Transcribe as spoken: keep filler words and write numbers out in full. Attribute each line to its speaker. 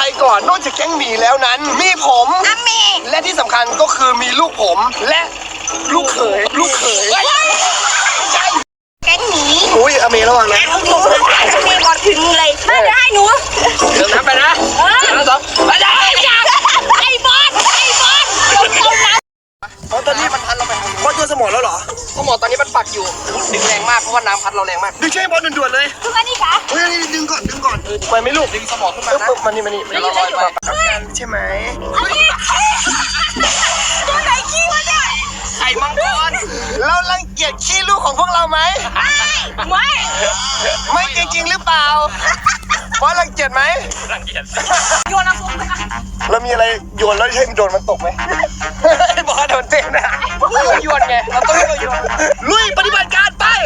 Speaker 1: ก่อนนอกจากแก๊งหมีแล้วนั้นมีผมและที่สำคัญก็คือมีลูกผมและลูกเขยลูกเขย
Speaker 2: แก๊งหนี
Speaker 1: อุ้ยอเมระวังนะ
Speaker 2: อเมย์บอกถึงเลยมาเดี๋ยวให้หนู
Speaker 1: เดี๋ยวน้ำไปนะน้ำสองไปได้
Speaker 2: ไอ้บอสไอ้บอสเดี๋ยวจมน้ำ
Speaker 1: เพราะตอนนี้มันพัดเราไปบอสโยนสมองแล้วเหรอสมองตอนนี้มันปักอยู่ดึงแรงมากเพราะว่าน้ำพัดเราแรงมากดึงใช่บอสด่วนๆเลย
Speaker 2: คือว่านี่กะ
Speaker 1: เฮ้ยนี่ดึงก่อนดึงก่อนไปไม่ลูกดึงสมองขึ้นมานะมานี่มานี่เราลอยไปใช่ไหม
Speaker 2: ตัวไหนขี้วะเนี่ย
Speaker 1: ไข่มังกรเรารังเกียจขี้ลูกของพวกเราไหม
Speaker 2: ไม่
Speaker 1: ไม่จริงๆหรือเปล่าบอสรังเกียจไหม
Speaker 2: โยนน้ำซุปไปนะ
Speaker 1: เรามีอะไรโยนแล้วให้มันโดนมันตกไหมบอสโดนเต้นนะโยนไงเราต้องให้เราโยนลุยปฏิบัติการไป